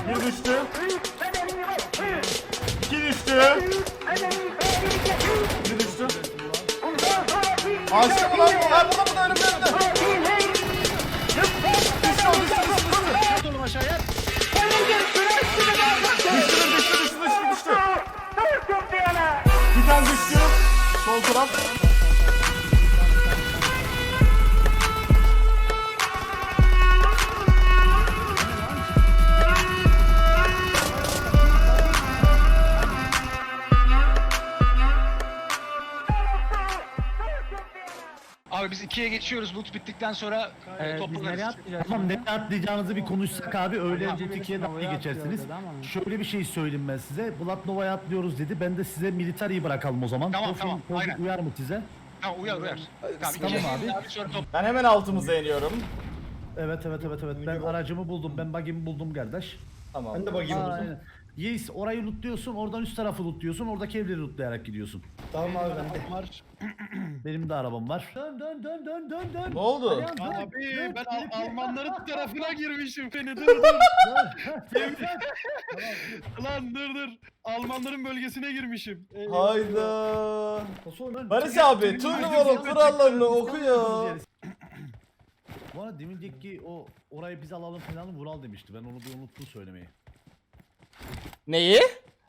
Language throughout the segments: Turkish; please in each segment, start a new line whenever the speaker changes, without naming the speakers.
Bir düştü. İki düştü. Bir düştü. Aşağı mı lan? Ha burada burada önümde. Düştü o düştü.
Oğlum aşağıya.
Düştü. Bir tane düştü. Sol taraf.
Abi biz 2'ye geçiyoruz. Loot bittikten sonra
Biz
toplanırız.
nereye atlayacağız?
Tamam, ne atlayacağınızı bir konuşsak abi, öyle bu tikiye daha iyi geçersiniz. Şöyle bir şey söyleyeyim ben size. Blood Nova'ya atlıyoruz dedi. Ben de size militariyi bırakalım o zaman.
Tamam,
Profil-
tamam,
profil
aynen.
uyar mı size?
Tamam uyar. Tamam,
Tamam abi.
Sonra top.
Ben hemen altımıza iniyorum.
Evet. Ben aracımı buldum. Ben bug'imi buldum kardeş.
Tamam.
Ben de bakayım o zaman.
Aynen. Yes, orayı lootluyorsun, oradan üst tarafı lootluyorsun, oradaki evleri lootlayarak gidiyorsun.
Tamam abi ben de.
Var.
Benim de arabam var. Dön.
Ne oldu?
Abi ben Almanların tarafına girmişim seni dur. Lan dur. Almanların bölgesine girmişim.
Hayda.
Nasıl
Barış abi turnuvanın kurallarını oku ya.
Bu arada deminceki o orayı biz alalım falan Vural demişti. Ben onu bir unuttum söylemeyi.
Neyi?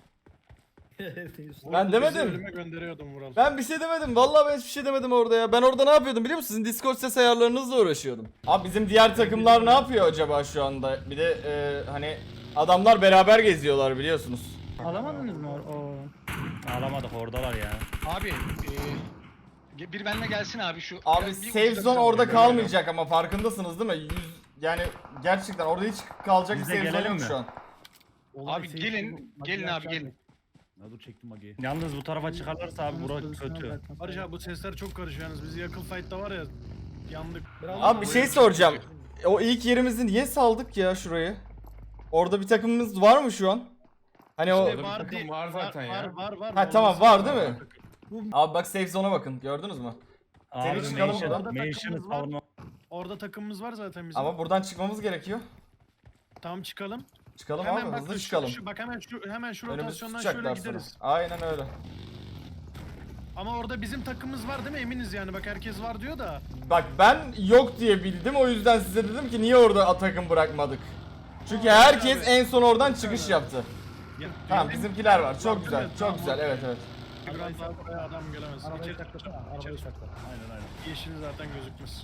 Ben demedim.
Ölüme gönderiyordum Vural.
Ben bir şey demedim. Vallahi ben hiçbir şey demedim orada ya. Ben orada ne yapıyordum biliyor musun? Sizin Discord ses ayarlarınızla uğraşıyordum. Abi bizim diğer takımlar ne yapıyor acaba şu anda? Bir de hani adamlar beraber geziyorlar biliyorsunuz.
Alamadınız mı o? Alamadık, oradalar ya.
Abi bir benimle gelsin abi şu.
Abi
bir
safe
ucuza
zone
bir
orada
zone
kalmayacak ama farkındasınız değil mi? Yani gerçekten orada hiç kalacak bir
Biz de
safe zone
gelelim
yok
mi?
şu an.
Abi gelin abi gelin.
Ya dur çektim Magi'yi.
Yalnız bu tarafa çıkarlarsa abi bura kötü.
Barış abi bu sesler çok karışıyor yalnız. Biz yakın fight'ta var ya yandık.
Abi bir şey soracağım. O ilk yerimizi niye saldık ya şurayı? Orada bir takımımız var mı şu an? Hani o...
İşte var diye var zaten ya. Var.
Ha tamam var değil mi? Abi bak safe zone'a bakın gördünüz mü?
Abi
Seni çıkalım
Mansion
buradan.
savunma.
Orada takımımız var zaten bizim.
Ama buradan çıkmamız gerekiyor.
Tamam çıkalım.
Çıkalım
Hemen
abi
bak
hızlı
şu-
çıkalım.
bak hemen şu
Önümüzü
rotasyondan şöyle
tutacaklar sonra.
gideriz.
Aynen öyle.
Ama orada bizim takımımız var değil mi? Eminiz yani. Bak herkes var diyor da.
Bak ben yok diye bildim o yüzden size dedim ki niye orada takım bırakmadık. Çünkü herkes en son oradan çıkış yaptı. Tamam bizimkiler var çok güzel çok güzel evet.
Biraz daha buraya adam gelemez.
Arabayı
İçeri-
saklasana, arabayı sakla. Aynen.
Yeşili zaten gözükmez.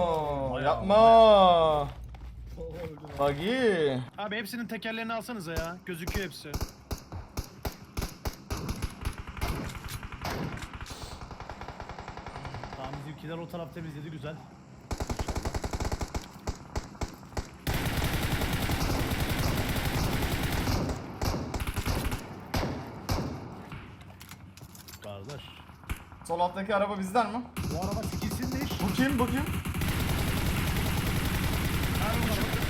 Yapma. Buggy.
Abi hepsinin tekerlerini alsanıza ya. Gözüküyor hepsi.
Tamam, bizimkiler o taraf temizledi, güzel. Kardeş.
Sol alttaki araba bizden mi?
Bu araba sikilsinmiş.
Bu kim bu kim?
Abi bu çok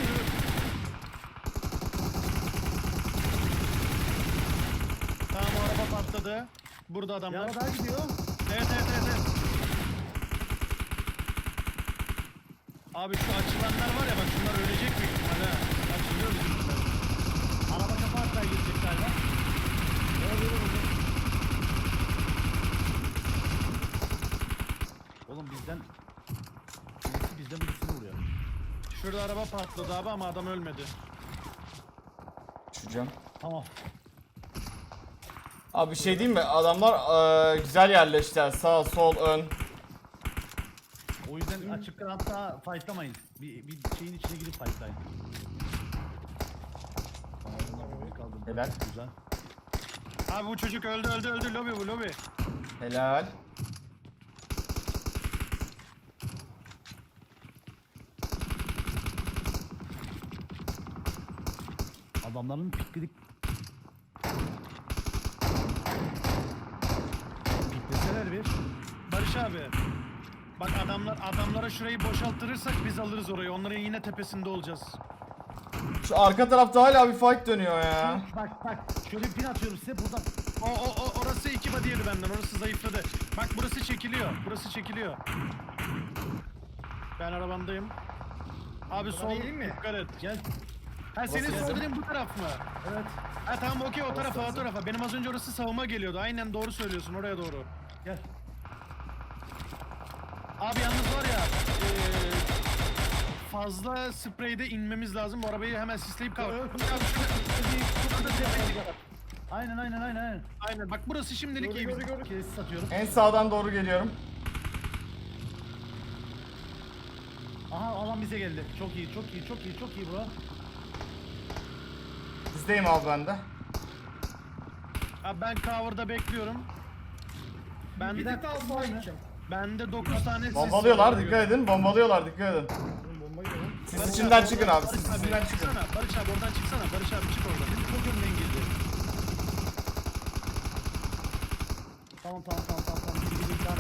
Tamam o araba patladı. Burada
Bir
adamlar.
araba daha gidiyor.
Evet. Abi şu açılanlar var ya bak şunlar ölecek büyük ihtimalle ha. Açılıyor bizimkiler.
Araba kapağı atlar gidecek galiba. Oğlum bizden birisini vuruyor.
Şurada araba patladı abi ama adam ölmedi.
Düşeceğim.
Tamam.
Abi bir şey diyeyim mi? Adamlar güzel yerleştiler. Sağ, sol, ön.
O yüzden açıktan hatta fightlamayın. Bir şeyin içine girip fightlayın. Tamam, bunlar böyle kaldı.
Helal.
Güzel.
Abi bu çocuk öldü lobi bu lobi.
Helal.
Adamların pikledik. Pikleseler bir.
Barış abi. Bak adamlara şurayı boşaltırırsak biz alırız orayı. Onların yine tepesinde olacağız.
Şu arka tarafta hala bir fight dönüyor ya.
Bak şöyle bir pin atıyorum size buradan.
Orası iki badiyeli benden. Orası zayıfladı. Bak burası çekiliyor. Ben arabandayım. Abi sol dikkat et.
Gel.
Ha senin
Burası
söylediğin bu taraf mı?
Evet.
Ha tamam okey o tarafa. Benim az önce orası savunma geliyordu. Aynen doğru söylüyorsun oraya doğru.
Gel.
Abi yalnız var ya fazla spreyde inmemiz lazım. Bu arabayı hemen sisleyip kal.
Evet. Aynen.
Aynen bak burası şimdilik iyi.
Kes satıyorum.
En sağdan doğru geliyorum.
Aha alan bize geldi. Çok iyi bro.
Sizdeyim abi ben de.
Abi ben cover'da bekliyorum.
Bir dakika alsana.
Bende 9 tane sis
Bombalıyorlar
var.
dikkat edin. Bombalıyorlar dikkat edin. Siz
Barış
içinden
abi,
çıkın
oradan-
abi. Siz
Barış
içinden
abi,
çıkın.
çıksana. Barış abi oradan çıksana. Barış abi çık oradan. Benim çok önden girdi.
Tamam. Tamam.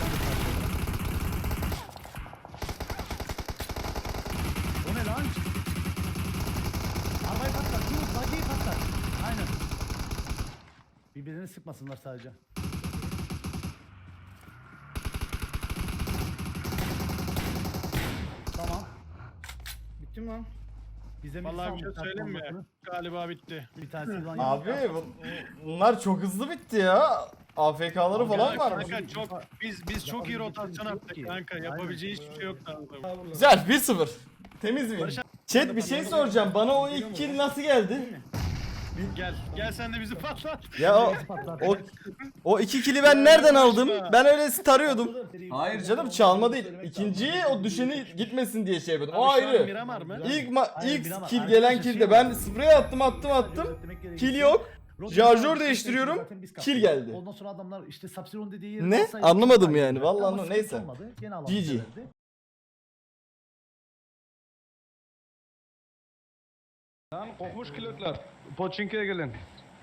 O ne lan? Arabayı patlat. Dur, bagiyi patlat. Aynen. Birbirini sıkmasınlar sadece. Tamam. Bitti mi lan? Bize
Vallahi bir şey söyleyeyim mi? Galiba bitti.
Bir tanesi ulan
Abi bunlar çok hızlı bitti ya. AFK'ları falan
Ya
var.
kanka çok biz çok iyi rotasyon attık kanka. Yapabileceği hiçbir şey yok adamın.
Güzel 1-0. Temiz bir.
Barış abi-
Chat bir şey soracağım. Bana o ilk kill nasıl geldi?
Gel sen de bizi patlat.
Ya o iki kill'i ben nereden aldım? Ben öyle tarıyordum. Hayır canım çalma değil. İkinciyi o düşeni gitmesin diye şey yapıyordum. O
Abi şu an
ayrı.
Miramar mı?
İlk kill gelen kill'de ben sprey attım. Kill yok. Şarjör değiştiriyorum. Kill geldi.
Ondan sonra adamlar işte Sapsiron dediği yeri
Ne?
alsaydı
Anlamadım
çok
yani.
daha
Vallahi
Ama
anlamadım.
sıkıntı
Neyse.
olmadı. Gene alan
GG.
bize verdi.
Lan kokmuş kilotlar. Poçinki'ye gelin.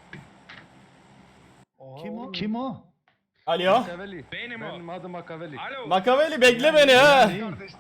Kim o?
Alo.
Makaveli. Benim adım Makaveli.
Makaveli bekle beni ha.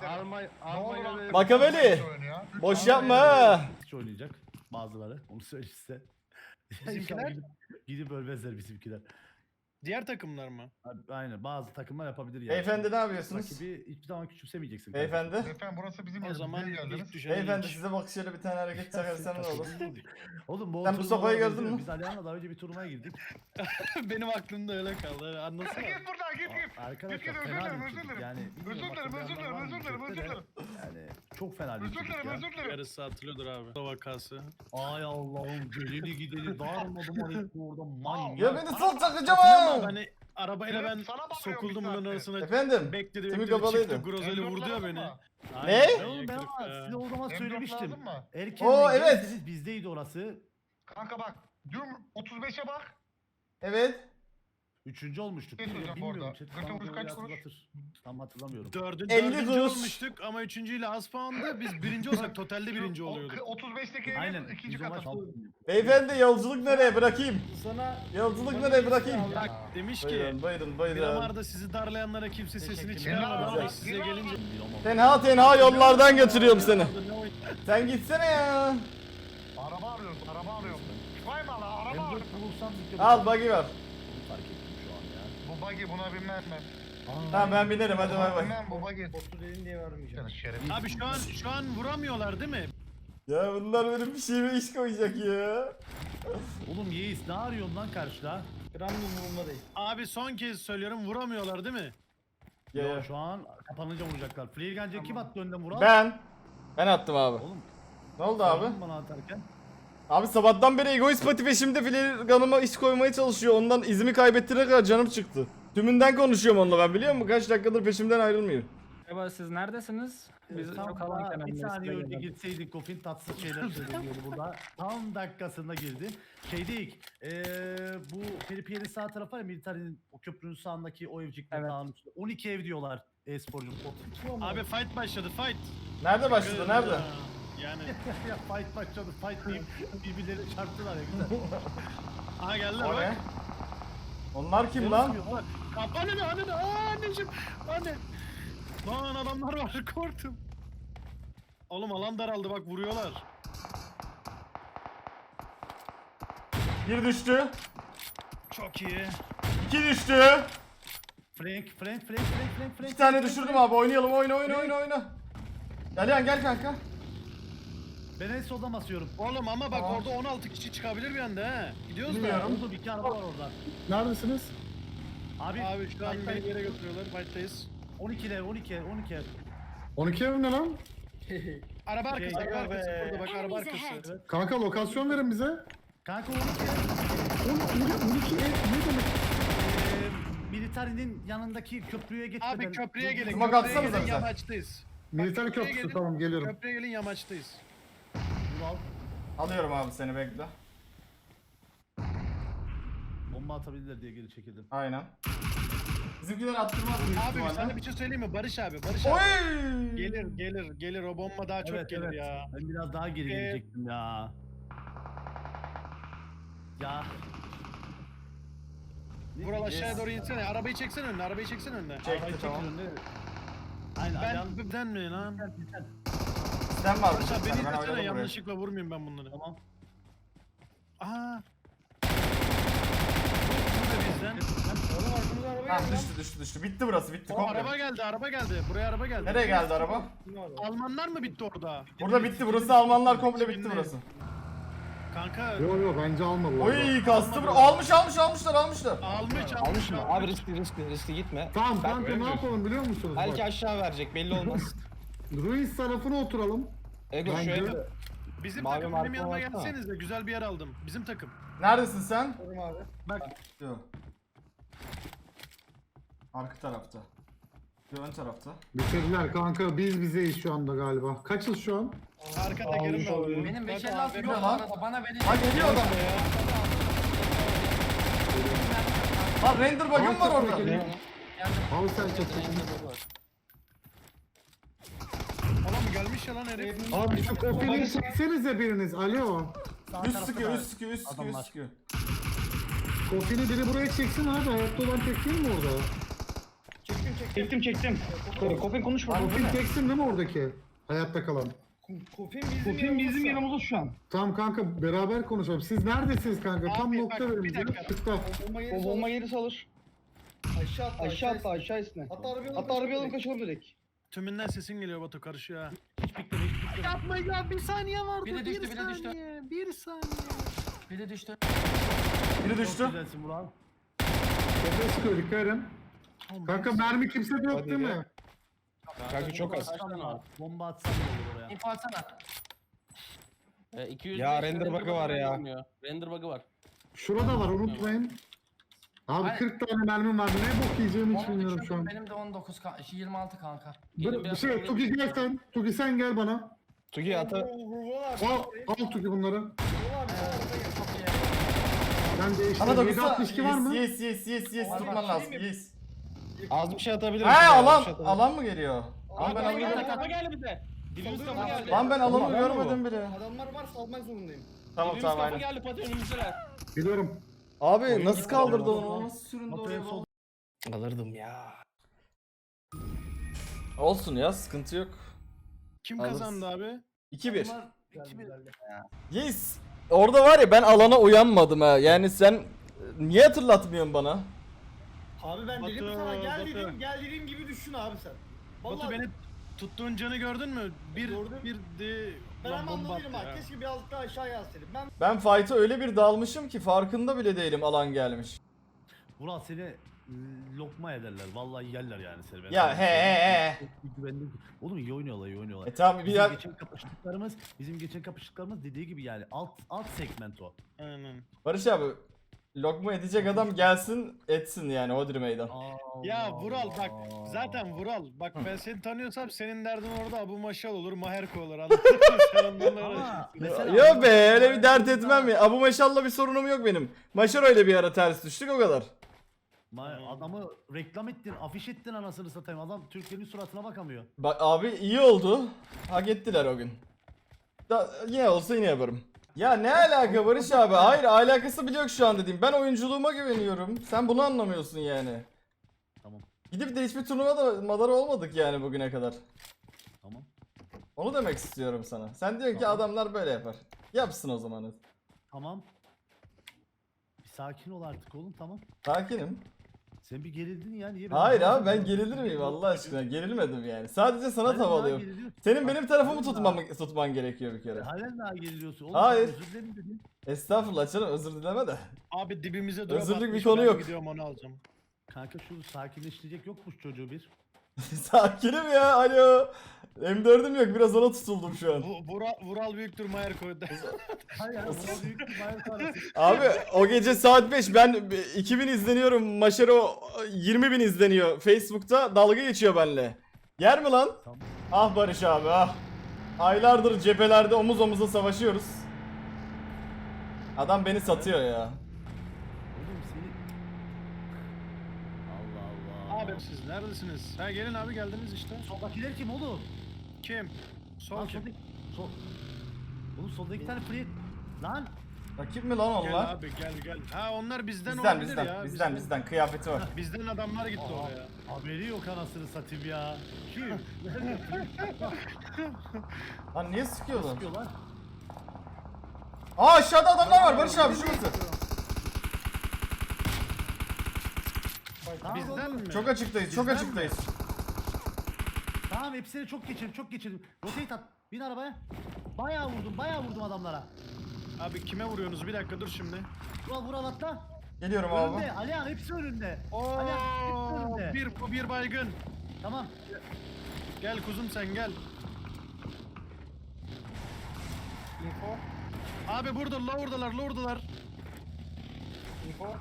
Almanya'da
Makaveli. Boş yapma ha.
Hiç oynayacak bazıları. Onu söyleyeyim size.
Bizimkiler?
Gidip ölmezler bizimkiler.
Diğer takımlar mı?
Abi, aynen bazı takımlar yapabilir yani.
Beyefendi ne yapıyorsunuz?
Rakibi hiçbir zaman küçümsemeyeceksin.
Beyefendi.
Efendim burası bizim
O
yerimiz.
zaman
Niye geldiniz?
ilk düşen
Beyefendi
ilk.
size bak şöyle bir tane hareket çakarsam ne olur?
Oğlum bu
Sen bu
turnuvalara
sopayı gördün
benziyor.
mü?
Biz Alihan'la daha önce bir turnuvaya girdik.
Benim aklımda öyle kaldı. Anlasana.
Git buradan git.
Arkadaşlar
özür
fena
dilerim,
bir
özür
çocuk
dilerim.
yani.
Özür
bilmiyorum,
dilerim,
hatırlayanlar var mı
özür dilerim,
chatte
özür
de. Yani çok fena bir
Özür
çocuk
dilerim,
ya.
özür dilerim.
Yarısı hatırlıyordur abi. O vakası.
Ay Allah'ım geleni gideni darmadım ayıp orada manyak.
Ya beni sol çakacağım
Ama
ha.
hani arabayla ben
Sana bakıyorum
sokuldum
bir
bunun
saattir.
arasına.
Efendim.
Bekledim
Timi
bekledim
kapalıydı.
çıktı. Grozeli
M4
vurdu ya
lazım
beni.
mı?
Ne?
Aynen,
Oğlum ben
yakılık
ama
ya.
size o zaman
M4
söylemiştim.
lazım mı?
Erken
evet.
gelirseniz bizdeydi orası.
Kanka bak. Dün 35'e bak.
Evet.
Üçüncü olmuştuk.
Ne söyleyeceğim
Bilmiyorum.
orada?
Chat
Gırgır
bana
kuruş
böyle
kaç kuruş?
hatırlatır. Tam hatırlamıyorum.
50
Dördüncü
kuruş.
olmuştuk ama üçüncüyle az puandı. Biz birinci olsak totalde birinci oluyorduk.
35'teki
Aynen.
evin ikinci
biz ona
katı.
Beyefendi yolculuk nereye bırakayım?
Sana
Yolculuk nereye bırakayım?
Bak demiş ki
Buyurun.
Miramar'da sizi darlayanlara kimse sesini
Teşekkür
çıkarmadı
ederim.
ama size gelince...
Tenha yollardan götürüyorum seni. Sen gitsene ya.
Araba arıyorum. Vay mala araba
M4
arıyorum.
bulursam zikre
Al buggy var.
fark ettim şu an ya.
Bu buggy buna binmem ben.
Tamam ben binerim hadi bay bay.
Binmem bu buggy.
otur dedin diye vermeyeceğim.
Şeref.
Abi şu an vuramıyorlar değil mi?
Ya bunlar benim bir şeyime iş koyacak ya.
Oğlum Yeis ne arıyorsun lan karşıda?
Gram umurumda değil.
Abi son kez söylüyorum vuramıyorlar değil mi?
Ya.
Şu an kapanınca vuracaklar. Flare Gun'ca kim attı önden Vural?
Ben attım abi.
Oğlum
Ne oldu abi?
sordun bana atarken.
Abi sabahtan beri egoist pati peşimde flirganıma iş koymaya çalışıyor. Ondan izimi kaybettirene kadar canım çıktı. Tümünden konuşuyorum onunla ben biliyor musun? Kaç dakikadır peşimden ayrılmıyor.
Merhaba siz neredesiniz? Biz
Tam
çok alan
daha bir
kenarındayız.
saniye
size
önce
gelelim.
gitseydik Gofin tatsız şeyler söyleniyordu burada. Tam dakikasında girdi. Şeydik, bu Peripier'in sağ tarafı var ya Militari'nin o köprünün sağındaki o evcikler
Evet.
dağın üstünde. 12 ev diyorlar e-sporcu.
Abi fight başladı fight.
Nerede başladı nerede?
Yani.
Ya fight başladı fight deyip birbirlerini çarptılar ya güzel.
Aha geldiler
O
bak.
ne? Onlar kim lan?
Anne ne anne ne anneciğim anne. Lan adamlar var korktum. Oğlum alan daraldı bak vuruyorlar.
Bir düştü.
Çok iyi.
İki düştü.
Frank.
İki tane düşürdüm abi oynayalım oyna. Gel gel kanka.
Ben en soldan basıyorum.
Oğlum ama bak orada 16 kişi çıkabilir bir anda he. Gidiyoruz da.
Bilmiyorum.
Oldu, bir araba var orada.
Neredesiniz?
Abi,
Abi şu an
fight'tayız.
beni bir yere götürüyorlar. Fight'tayız.
12'de 12.
12 ev ne lan?
Araba arkası, araba
Aga
arkası
be.
burada bak araba
Enemies
arkası.
ahead.
Kanka lokasyon verin bize.
Kanka 12.
12 ev ne demek?
Militarinin yanındaki köprüye geçmeden.
Abi köprüye gelin.
Smoke
Köprüye
atsanıza
gelin
bize.
yamaçtayız.
Militer
köprüye
köprüsü
gelin.
tamam geliyorum.
Köprüye gelin yamaçtayız.
Vural.
Alıyorum abi seni bekle.
Bomba atabilirler diye geri çekildim.
Aynen. Bizimkiler attırmaz büyük
Abi
ihtimalle.
sana bir şey söyleyeyim mi? Barış abi, Barış abi.
Oy!
Gelir o bomba daha çok gelir ya.
Ben biraz daha geri gelecektim ya. Ya.
Vural aşağıya doğru insene. Arabayı çeksene önüne, arabayı çeksene önüne.
Çekti tamam.
Aynen.
Ben mi lan?
Sen var
Barış abi beni
ben
izlesene,
oynadım buraya.
yanlışlıkla vurmayayım ben bunları.
Tamam.
Aa. Bu da bizden.
Oğlum arkamıza araba
Ha
geldi lan.
düştü. Bitti burası bitti
O
komple.
araba geldi. Buraya araba geldi.
Nereye geldi araba?
Ne var?
Almanlar mı bitti orada?
Burada bitti burası Almanlar komple bitti
Şimdi-
burası.
Kanka
Yok bence alma bu arada.
Oy kastı almışlar.
almış mı?
Abi riskli gitme.
Tamam kanka ne yapalım biliyor musunuz?
Belki
Bak,
aşağı verecek belli olmaz.
Ruiz tarafına oturalım.
Ego şu
Bence-
ev
Bizim
Mavi
takım
marka
benim yanıma
baksana.
gelsenize güzel bir yer aldım. Bizim takım.
Neredesin sen?
Oğlum abi.
Yok. Arka tarafta. Yok ön tarafta.
Bitirdiler kanka biz bizeyiz şu anda galiba. Kaçız şu an?
Arka tekerim de oluyor.
Benim
Bak
556
abi,
yok bu
lan.
arada. Bana verin.
Ha geliyor adam. Lan render bug'ım var orada.
Al sen çatı.
Oğlum gelmiş ya lan herif.
Abi şu kofini çeksenize biriniz. Alo.
Sağ
Üst
tarafta
sıkıyor,
da
üst sıkıyor, üst sıkıyor, üst
adamlar.
sıkıyor.
Kofini biri buraya çeksin abi. Hayatta olan tek değil mi orada?
çektim. Kopin konuşma.
Kofin teksin değil mi oradaki? Hayatta kalan.
Kofin bizim yanımızda
şu an.
Tamam kanka beraber konuşalım. Siz neredesiniz kanka? Tam
Abi,
nokta
bak,
verin
bir
bize.
dakika.
Tıkla.
O bomba gerisi alır.
Aşağı atla.
Aşağı atla aşağı üstüne.
Hatta arabayı alalım
kaçalım direkt.
Tümünden sesin geliyor Batu karışıyor ha.
hiç bekleme hiç bekleme.
Yapma ya bir saniye vardı.
Biri düştü, biri düştü.
Bir saniye.
Biri düştü.
Biri
Çok
düştü.
güzelsin Vural.
Kofine sıkıyor dikkat edin. Kanka mermi kimse de yok
Hadi
değil
ya.
mi?
Kanka çok az.
Bomba atsam da olur oraya.
İnfo atsana.
200
Ya render bug'ı var ya.
Render bug'ı var.
Şurada var unutmayın. Abi
Hayır.
40 tane mermim var. Ne bok yiyeceğimi hiç
Onu
bilmiyorum şu an.
Benim de 19 26 kanka.
Bir şey Tugi gel sen. Tugi sen gel bana.
Tugi ata.
Al Tugi bunları.
Çok iyi.
Ben değiştirdim.
Bana da
762 var mı?
Yes tutman lazım. Yes.
Az bir şey atabilirim.
He
Az bir
alan
şey atabilirim.
alan mı geliyor? Lan ben alanı
Kafa geldi bize. Dibimiz kafa geldi.
Lan ben alanı
Oğlum,
görmedim bile.
Adamlar var salmak zorundayım.
Tamam
Dibimiz
tamam
kafa
aynen.
geldi Fatih önümüzdeler.
Biliyorum.
Abi nasıl kaldırdı onu? Nasıl süründü
Batu'ya
oraya?
sol.
Alırdım ya.
Olsun ya sıkıntı yok.
Kim
Alırız.
kazandı abi?
2-1.
Güzel.
Yes. Orada var ya ben alana uyanmadım ha. Yani sen niye hatırlatmıyorsun bana?
Abi ben dedim
Batu,
sana gel
Batu.
dedim. Gel dediğim gibi düşün abi sen.
Batu
Vallahi
beni tuttuğun canı gördün mü?
Gördüm.
Bir de
ben
lan
ama
bomba
anladım
attı
ha.
ya.
Keşke birazcık daha aşağıya yazsaydım. Ben
Ben fight'a öyle bir dalmışım ki farkında bile değilim alan gelmiş.
Vural seni lokma ederler. Vallahi yerler yani seni. Ben
Ya
sana
he he
söyleyeyim. Güvenlik. Oğlum iyi oynuyorlar iyi oynuyorlar.
tamam bir
Bizim
daha
geçen kapıştıklarımız dediği gibi yani alt segment o.
Aynen.
Barış abi lokma edecek adam gelsin etsin yani Hodri meydan.
Ya Vural bak zaten Vural bak ben seni tanıyorsam senin derdin orada Abu Maşal olur Maherko olur anladın mı? Sen onlarla
Ama
uğraşıyorsun.
mesela
Yok be öyle bir dert etmem ya. Abu Maşal'la bir sorunum yok benim. Maşar öyle bir ara ters düştük o kadar.
Adamı reklam ettin, afiş ettin anasını satayım. Adam Türklerin suratına bakamıyor.
Bak abi iyi oldu. Hak ettiler o gün. Yine olsa yine yaparım. Ya ne alaka Barış abi? Hayır alakası bile yok şu an dediğim. Ben oyunculuğuma güveniyorum. Sen bunu anlamıyorsun yani.
Tamam.
Gidip de hiçbir turnuvada madara olmadık yani bugüne kadar.
Tamam.
Onu demek istiyorum sana. Sen diyorsun ki
Tamam.
adamlar böyle yapar. Yapsın o zaman.
Tamam. Bir sakin ol artık oğlum tamam.
Sakinim.
Sen bir gerildin ya niye?
Hayır abi ben gerilir miyim Allah aşkına? Gerilmedim yani. Sadece sana tavalıyorum. Senin benim tarafımı tutman gerekiyor bir kere.
Halen daha geriliyorsun. Oğlum,
Hayır.
Özür dilerim dedin.
Estağfurullah canım özür dileme de.
Abi dibimize drop
Özürlük bir
atmış,
konu
ben
yok.
Gidiyorum onu alacağım.
Kanka şu sakinleştirecek yokmuş çocuğu bir.
Sakinim ya alo. M4'üm yok biraz ona tutuldum şu an.
Vural büyüktür Mayer koydu.
Hayır ya buna büyük bir bayrak arası.
Abi o gece saat 5 ben 2000 izleniyorum. Maşero 20.000 izleniyor. Facebook'ta dalga geçiyor benimle. Yer mi lan?
Tamam.
Ah Barış abi ah. Aylardır cephelerde omuz omuza savaşıyoruz. Adam beni satıyor ya.
Oğlum seni... Allah Allah.
Abi siz neredesiniz? Ha gelin abi geldiniz işte.
Soldakiler kim oğlum?
Kim? Sol
Lan
kim?
soldaki... Sol... Oğlum solda iki tane free... Lan!
Rakip mi lan
Gel
onlar?
abi gel. Ha onlar bizden
Bizden
olabilir ya.
bizden kıyafeti var.
Bizden adamlar gitti
Aa,
oraya.
haberi yok anasını satayım ya. Kim? Nerede?
Lan niye sıkıyorsun?
Sıkıyorlar.
Aa aşağıda adamlar var Barış abi şurası.
Tamam,
Bizden mi?
Çok açıktayız çok
Bizden
açıktayız.
Tamam hepsini çok geçirdim. Rotate at. Bin arabaya. Bayağı vurdum adamlara.
Abi kime vuruyorsunuz? Bir dakika dur şimdi.
Vural atla.
Geliyorum abi.
Önünde. Alihan hepsi önünde.
Oo,
Alihan hepsi önünde.
bir baygın.
Tamam.
Gel kuzum sen gel.
Info.
Abi burada lower'dalar.
Info.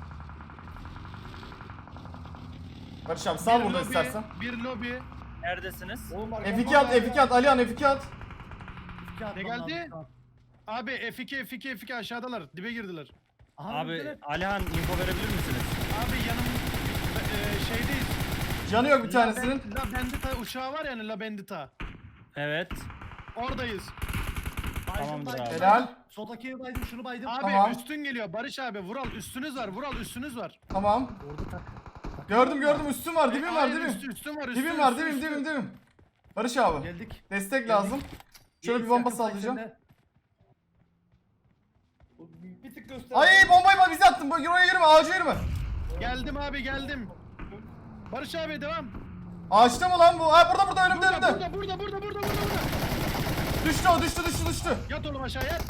Barış abi sal
Bir
burada
lobi,
istersen.
Bir lobi.
Neredesiniz?
Oğlum
F2 at F2 at Alihan F2 at.
İki atmam
geldi?
lazım, tamam.
Abi F2 aşağıdalar. Dibe girdiler.
Aha,
Abi
öndeler.
Alihan info verebilir misiniz?
Abi şeydeyiz.
Canı yok bir tanesinin.
La Bandita uçağı var yani La Bandita.
Evet.
Oradayız.
Tamamdır abi.
Helal.
Soldaki evi baydım şunu baydım.
Abi
Tamam.
üstün geliyor Barış abi. Vural üstünüz var.
Tamam.
Orada tak.
Gördüm üstüm var dibim var
Hayır,
dibim.
üstün var.
Dibim var dibim. Barış abi.
Geldik.
Destek lazım. Şöyle bir bomba
Yakın
sallayacağım.
fight'lerinde.
Bir tık göster.
Ay bombayı bak bize attın. Buraya yürüme ağaca yürüme.
Geldim abi geldim. Barış abi devam.
Ağaçta mı lan bu? Ha burada önümde.
Burada.
Düştü o düştü.
Yat oğlum aşağı yat.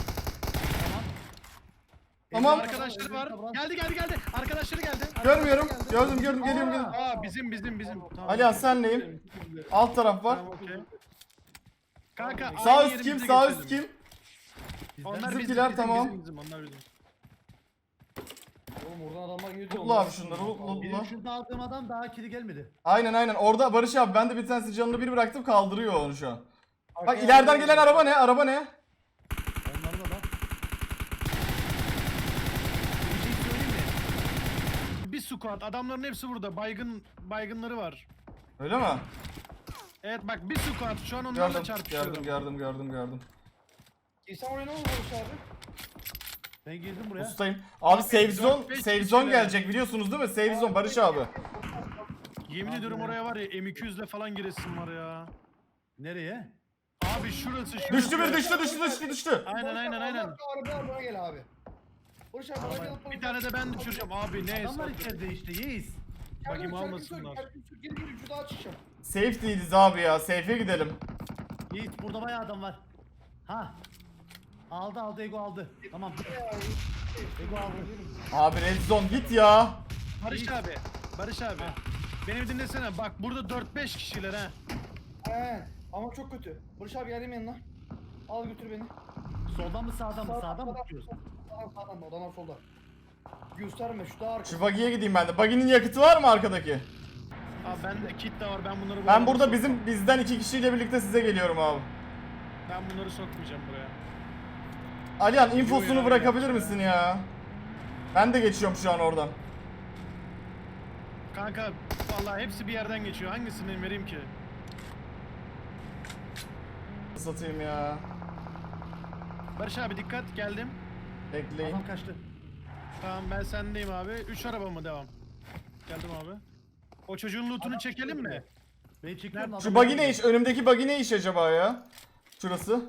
Tamam.
Arkadaşları var. Geldi. Arkadaşları geldi.
Görmüyorum. Gördüm geliyorum.
Aa bizim. Tamam.
Alihan senleyim. Alt taraf var.
Tamam, okey. Kanka
Sağ
aynı
üst kim?
yerimize
Sağ üst
geçelim.
kim?
Onlar
Bizimkiler tamam.
Bizim, onlar bizim.
Oğlum oradan adamlar geliyor.
Lootla abi şunları. Lootla.
Benim şurada aldığım adam daha kili gelmedi.
Aynen. Orada Barış abi ben de bir tanesi canını bir bıraktım kaldırıyor onu şu an. Bak ileriden gelen araba ne?
Onların da. Bir şey söyleyeyim mi?
Bir squad. Adamların hepsi burada. Baygınları var.
Öyle mi?
Evet bak bir squad. Şu an onlarla
Gördüm.
çarpışıyorum.
Gördüm.
İnsan oraya ne oldu Barış abi?
Ben girdim buraya.
Ustayım. Abi save zone,
4-5
save zone
kişiler.
gelecek biliyorsunuz değil mi? Save zone Barış abi.
Yemin ediyorum oraya var ya M200'le falan giresim var ya.
Nereye?
Abi şurası.
Düştü.
Aynen.
Arabaya bana gel abi. Barış abi bana gel.
Bir tane de ben düşüreceğim abi ne
Adamlar
hesap.
içeride işte yeğiz.
Bakayım almasınlar.
Geri şu daha çıkacağım.
Safe değiliz abi ya. Safe'e gidelim.
Yiğit burada bayağı adam var. Ha. Aldı Ego aldı. Tamam. Ego aldı.
Abi red zone git ya.
Barış abi. Beni bir dinlesene bak burada 4-5 kişiler ha.
He. Ama çok kötü. Barış abi geldim yanına. Al götür beni.
Soldan mı sağdan mı? Sağdan mı tutuyorsun?
Sağdan odalar solda. Gösterme şu daha arka.
Şu buggy'ye gideyim ben de. Buggy'nin yakıtı var mı arkadaki?
Abi bende kit de var ben bunları
Ben burada bizden 2 kişiyle birlikte size geliyorum abi.
Ben bunları sokmayacağım buraya.
Alihan infosunu
ya,
bırakabilir
ya.
misin ya? Ben de geçiyorum şu an oradan.
Kanka vallahi hepsi bir yerden geçiyor. Hangisini vereyim ki?
Satayım ya.
Barış abi dikkat geldim.
Bekleyin.
Adam kaçtı.
Tamam ben sendeyim abi. 3 araba mı devam? Geldim abi. O çocuğun lootunu çekelim mi?
Ben çekiyorum.
Şu buggy ne iş? Önümdeki buggy ne iş acaba ya? Şurası.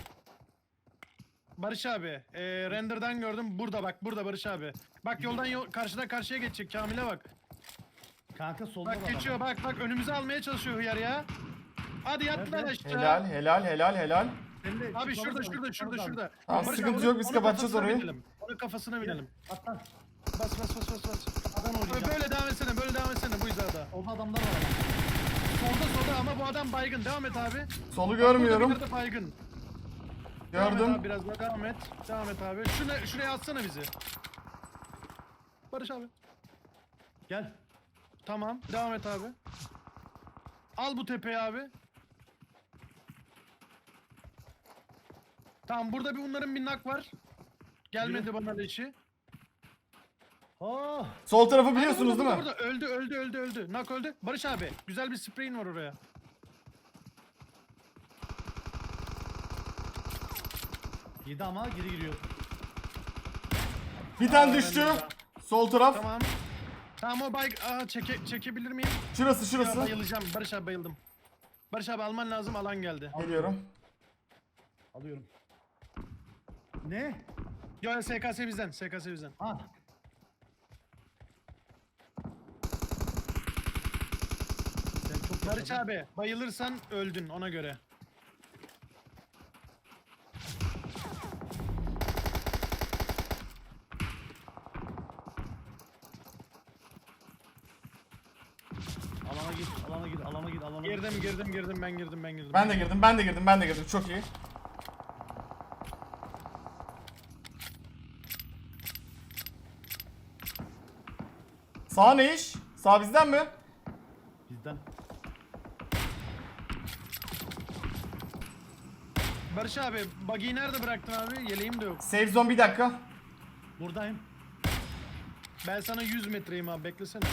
Barış abi, render'dan gördüm. Burada bak, burada Barış abi. Bak yoldan karşıdan karşıya geçecek. Kamil'e bak.
Kanka solda
Bak
var
geçiyor
adam.
bak önümüze almaya çalışıyor hıyar ya. Hadi yat lan
Nerede?
aşağı.
Helal helal helal helal.
Senin de
Abi
çıkmamız
şurada
lazım, çıkmamız lazım.
şurada.
Tamam,
Barış
sıkıntı
abi,
yok, biz
onun
kapatacağız
kafasına
orayı.
binelim. Onun kafasına binelim.
Atlan.
Bas.
Kafadan
Abi
oynayacağım.
böyle devam etsene bu hizada.
Solda adamlar var ama.
Solda ama bu adam baygın. Devam et abi.
Solu görmüyorum.
Burada bir yerde baygın. Devam et
Gördüm.
abi biraz daha devam et. Devam et abi. Şuraya atsana bizi. Barış abi.
Gel.
Tamam. Devam et abi. Al bu tepeyi abi. Tamam burada bunların bir nak var. Gelmedi bana leşi.
Oh.
Sol tarafı biliyorsunuz değil mi?
Burada. Öldü. Nak öldü. Barış abi güzel bir spreyin var oraya.
Yedi ama geri giriyor.
Bir tane
Aa,
düştü.
ben de
Sol taraf.
Tamam. Tamam o bayg... Aa çekebilir miyim?
Şurası
Ya,
şurası.
bayılacağım. Barış abi bayıldım. Barış abi alman lazım alan geldi.
Geliyorum.
Alıyorum. Ne?
Yo SKS bizden. SKS bizden.
Ha. Sen çok
Barış
yaşadın.
abi bayılırsan öldün ona göre.
Alana git.
Girdim ben girdim.
Ben de girdim. Çok iyi. Sağ ne iş? Sağ bizden mi?
Bizden.
Barış abi buggy'yi nerede bıraktın abi? Yeleğim de yok.
Save zone bir dakika.
Buradayım.
Ben sana 100 metreyim abi beklesene.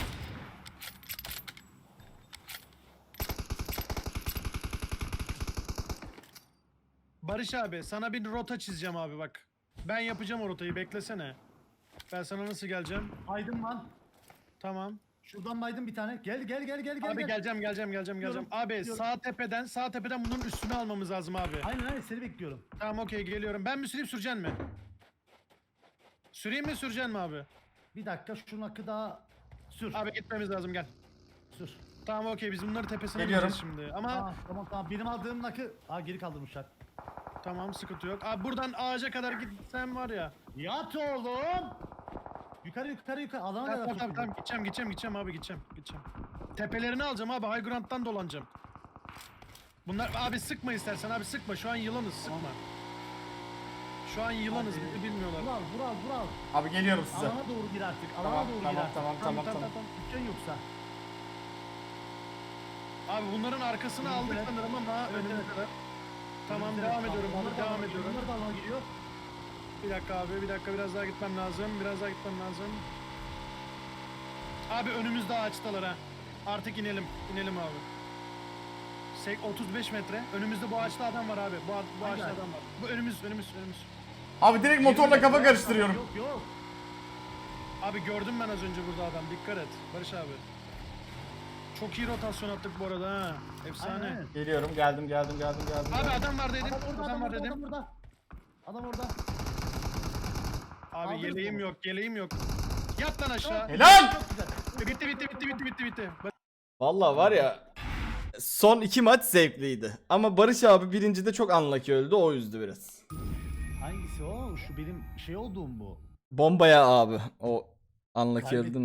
Barış abi sana bir rota çizeceğim abi bak. Ben yapacağım o rotayı beklesene. Ben sana nasıl geleceğim?
Aydın lan.
Tamam.
Şuradan baydım bir tane. Gel.
Abi
gel.
geleceğim.
Gidiyorum,
Abi
gidiyorum.
sağ tepeden bunun üstünü almamız lazım abi.
Aynen seni bekliyorum.
Tamam okey geliyorum. Ben mi süreyim süreceksin mi? Süreyim mi süreceksin mi abi?
Bir dakika şunun hakkı daha sür.
Abi gitmemiz lazım gel.
Sür.
Tamam okey biz bunları tepesine
Geliyorum.
bineceğiz şimdi. Ama
Tamam. Benim aldığım nakı. Geri kaldırmışlar.
tamam sıkıntı yok. Abi buradan ağaca kadar gitsem var ya.
Yat oğlum. Yukarı. Alana kadar
Tamam
soktum.
gideceğim abi gideceğim. Tepelerini alacağım abi High Ground'dan dolanacağım. Bunlar abi sıkma istersen abi sıkma şu an yılanız sıkma. Şu an yılanız
Abi,
bizi bilmiyorlar.
Vural.
Abi geliyorum size.
Alana doğru gir artık.
Tamam.
Dükkan yoksa.
Abi bunların arkasını aldık
Evet.
sanırım ama
Evet,
önümüze
evet.
kadar. Tamam
Önümüzde
devam
kaldı.
ediyorum.
Onlar da
Devam
alana-
ediyorum.
Onlar da alana giriyor.
Bir dakika abi bir dakika biraz daha gitmem lazım. Abi önümüzde ağaçtalar ha. Artık inelim abi. 35 metre. Önümüzde bu ağaçta adam var abi. Bu
Hangi
ağaçta
ağaç?
adam var. Bu önümüz.
Abi direkt motorla kafa karıştırıyorum.
Yok.
Abi gördüm ben az önce burada adam. Dikkat et. Barış abi. Çok iyi rotasyon attık bu arada ha. Efsane.
Aynen.
Geliyorum. Geldim.
Abi adam var dedim.
Adam orada.
dedim.
Adam orada.
Abi
Aldınız
yeleğim
onu.
yok. Yat lan aşağı.
Helal.
Çok güzel.
Bitti.
Vallahi var ya, son 2 maç zevkliydi. Ama Barış abi birincide çok unlucky öldü, o yüzdü biraz.
Hangisi o? Şu benim şey olduğum bu.
Bombaya abi o unlucky
Kaybettim.
öldüm.